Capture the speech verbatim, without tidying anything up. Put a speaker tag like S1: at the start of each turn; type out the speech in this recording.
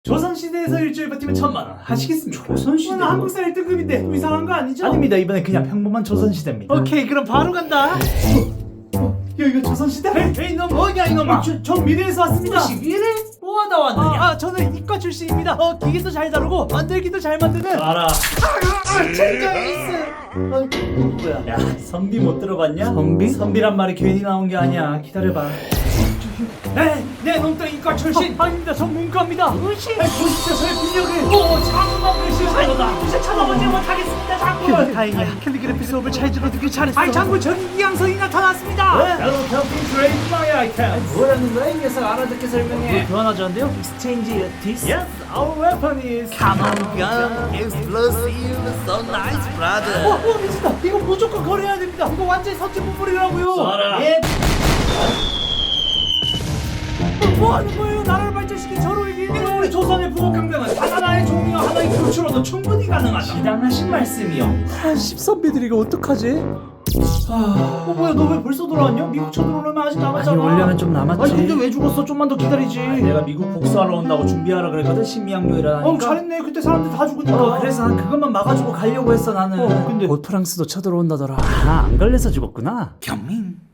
S1: 조선시대에서 일주일 버티면 천만 원 하시겠습니까?
S2: 조선시대?
S1: 오늘 한국사 일 등급인데 또 이상한 거 아니죠?
S2: 아닙니다. 이번에 그냥 평범한 조선시대입니다.
S1: 오케이 그럼 바로 간다. 야 이거 조선시대? 에이, 에이 너 뭐냐 이놈아. 저, 저 미래에서 왔습니다.
S2: 미래? 뭐하다 왔느냐?
S1: 아, 아 저는 이과 출신입니다. 어 기계도 잘 다루고 만들기도 잘 만드는
S2: 알아.
S1: 진짜 에이스. 어, 뭐야?
S2: 야, 선비 못 들어봤냐?
S1: 선비?
S2: 선비란 말이 괜히 나온 게 아니야. 기다려봐.
S1: 네, 네 놈도 이과 출신. 어, 아닙니다. 전 문과입니다. 으시. 보십시오 저의 능력을. 오 장군만 글씨가 이제 찾아보지 못하겠습니다 장군. 다행이야. 캘리그래피 수업을 잘 들어두길 잘했어. 아이 장군 저기 이양선이 나타났습니다.
S2: Hello, helping trade my items.
S1: 뭐라는 거야 이 녀석 알아듣게 설명해.
S2: 교환하자는데요? Exchange this? Yes, our weapon is.
S3: Come on, gun, explosive, so nice, brother.
S1: 와, 와 미친다. 이거 무조건 거래해야 됩니다. 이거 완전히 선진 부풀이라고요.
S2: 쏴라.
S1: 예. 어, 뭐 하는 거예요? 나라를 발전시킨 저로에게 이거 우리 조선의 부국강병은 단 하나의 종이와 하나의 교추로도 충분히 가능하다.
S2: 시당하신 말씀이요.
S1: 아, 십선비들 이거 어떡하지? 아, 어 뭐야 너 왜 벌써 돌아왔냐? 미국 쳐들어오려면 아직 남았잖아.
S2: 아니, 원래는 좀 남았지.
S1: 아니 근데 왜 죽었어? 좀만 더 기다리지.
S2: 아, 내가 미국 복수하러 온다고 준비하라 그랬거든. 신미양요일하니까.
S1: 어 잘했네. 그때 사람들 다 죽으니까.
S2: 어, 그래서 난 그것만 막아주고 가려고 했어 나는.
S1: 어, 근데
S2: 곧 프랑스도 쳐들어온다더라. 아, 안 걸려서 죽었구나.
S3: 경민,